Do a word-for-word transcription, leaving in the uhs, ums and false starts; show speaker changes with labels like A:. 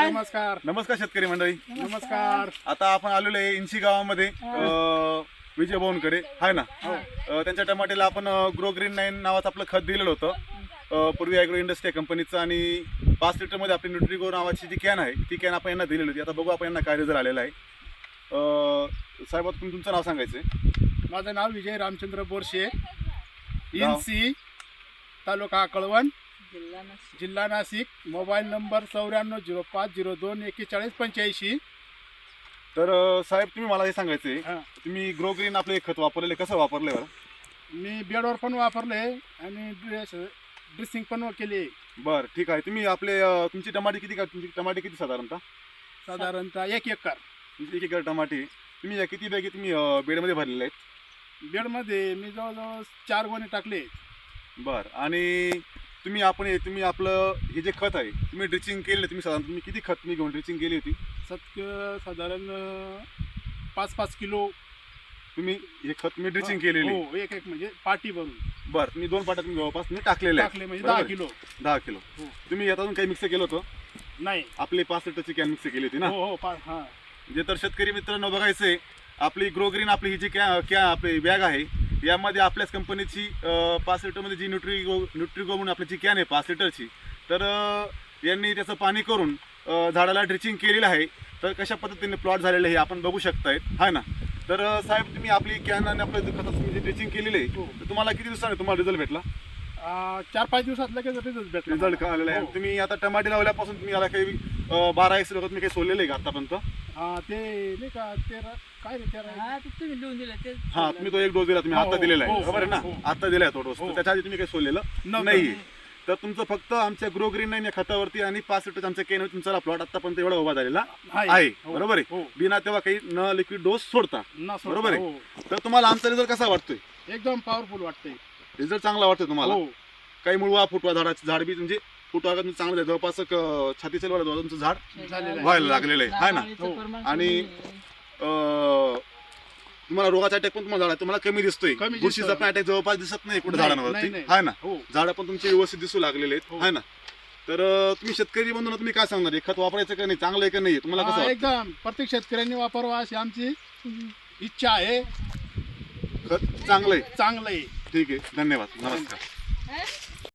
A: नमस्कार
B: नमस्कार शेतकरी मंडळी.
A: नमस्कार.
B: आता आपण आलेलो आहे इंशी गावामध्ये अं, विजय भाऊंकडे आहे ना. अं, त्यांच्या टमाट्याला आपण ग्रो ग्रीन नाईन नावाचं आपलं खत दिलेलं होतं अं, पूर्वी ॲग्रो इंडस्ट्री कंपनीचं, आणि पाच लिटरमध्ये आपली न्यूट्रिगो नावाची जी कॅन आहे ती कॅन आपण यांना दिलेली होती. आता बघू आपण यांना काय रिझल्ट आलेला आहे. अं, साहेब आता तुम्ही तुमचं नाव सांगायचं आहे.
A: माझं नाव विजय रामचंद्र बोरशे, इंसी, तालुका कळवण, जिल्हा नाशिक. मोबाईल नंबर चौऱ्याण्णव झिरो पाच झिरो दोन एक्केचाळीस पंच्याऐंशी.
B: तर अं, साहेब तुम्ही मला हे सांगायचं आहे,
A: हां,
B: तुम्ही ग्रो ग्रीन आपलं हे खत वापरलेलं कसं वापरलं बरं?
A: मी बेडवर पण वापरले आणि ड्रेस ड्रेसिंग पण केली.
B: बरं ठीक आहे. तुम्ही आपले अं, तुमची टमाटे किती का तुमची टमाटे किती साधारणतः?
A: साधारणतः एक एकर
B: तुमची एक एकर टमाटे तुम्ही या किती बॅगे तुम्ही अं, बेडमध्ये भरलेले आहेत?
A: बेडमध्ये मी जवळजवळ चार गोणे टाकले.
B: बरं. आणि तुम्ही आपण हे तुम्ही आपलं हे जे खत आहे तुम्ही ड्रिचिंग केलेलं, तुम्ही साधारण तुम्ही किती खत तुम्ही घेऊन ड्रिचिंग केली होती?
A: सत साधारण पाच पाच किलो
B: तुम्ही हे खत तुम्ही ड्रिचिंग केलेली?
A: हो, एक एक म्हणजे पाटी भरून.
B: बरं. तुम्ही दोन पाट्यात तुम्ही जवळपास तुम्ही टाकलेले
A: टाकले म्हणजे दहा किलो.
B: दहा किलो
A: हो.
B: तुम्ही यातून काही मिक्स केलं होतं?
A: नाही.
B: आपली पाच लिटरची कॅन मिक्स केली होती ना?
A: हो हो पा हां.
B: जे तर शेतकरी मित्रांनो बघायचं आहे, आपली ग्रो ग्रीन आपली ही जी कॅ कॅ आपली बॅग आहे यामध्ये आपल्याच कंपनीची पाच लिटरमध्ये जी न्यूट्रिगो न्यूट्रिगो म्हणून आपली जी कॅन आहे पाच लिटरची, तर अं, यांनी त्याचं पाणी करून अं, झाडाला ड्रिचिंग केलेलं आहे. तर कशा पद्धतीने प्लॉट झालेलं आहे आपण बघू शकतायत, आहे ना. तर अं, साहेब तुम्ही आपली कॅन आणि आपलं जे खताचं तुम्ही जे ड्रिचिंग केलेलं आहे
A: हो.
B: तर तुम्हाला किती दिवसाने तुम्हाला रिझल्ट भेटला?
A: आ, चार पाच दिवसात लगेच रिझल्ट भेटला.
B: रिझल्ट का आलेला आहे?
A: हो.
B: तुम्ही आता टमाटे लावल्यापासून तुम्ही याला काही अं, बारा एक तुम्ही काही सोडलेलं आहे का आतापर्यंत?
A: हा, ते नाही का तेरा काय रे तेरा
C: हा ते तुम्ही लिहून दिलं ते
B: हा, तुम्ही तो एक डोस दिला, तुम्ही
A: हो,
B: आता दिलेला आहे,
A: हो,
B: खबर आहे ना?
A: हो.
B: आता दिलाय तो डोस.
A: हो.
B: तर त्याच्या आधी तुम्ही काही सोडलेलं
A: नव्हतं.
B: नाही. तर तुमचं फक्त आमच्या ग्रो ग्रीन नाईन या खतावरती आणि पाच लिटर आमच्या केन तुमचा प्लॉट आतापर्यंत एवढा उभा झालेला आहे.
A: हो,
B: बरोबर आहे.
A: हो.
B: बिना तेव्हा काही न लिक्विड डोस सोडता.
A: ना सोडता,
B: बरोबर आहे.
A: हो.
B: तर तुम्हाला आमचा रिझल्ट कसा वाटतोय?
A: एकदम पॉवरफुल वाटतंय.
B: रिझल्ट चांगला वाटतोय तुम्हाला?
A: हो.
B: काही मुळवा फुटवा झाडाचं झाड बी म्हणजे फुटवा का चांगलं आहे, जवळपास एक, अं, छातीच्या वर तुमचं झाड
A: झालेलं आहे.
B: व्हायला लागलेलं आहे, है ना?
A: हो.
B: आणि अं, तुम्हाला रोगाचा अटॅक पण तुम्हाला झाडा तुम्हाला कमी दिसतोय.
A: कमी दिसतोय.
B: बुरशीचा पण अटॅक जवळपास दिसत नाही कुठे
A: नाही,
B: झाडांवरती,
A: नाही,
B: आहे ना?
A: हो.
B: झाडं पण तुमचे व्यवस्थित दिसू लागलेले आहेत,
A: हो.
B: आहे ना. तर अं, तुम्ही शेतकरी बंधूंना तुम्ही काय सांगणार? हे खत वापरायचं का नाही, चांगलं आहे का नाही, तुम्हाला कसं
A: हा,
B: वाटतं?
A: एकदम प्रत्येक शेतकऱ्यांनी वापरावा अशी आमची इच्छा आहे.
B: खत चांगलं आहे.
A: चांगलं आहे.
B: ठीक आहे, धन्यवाद, नमस्कार.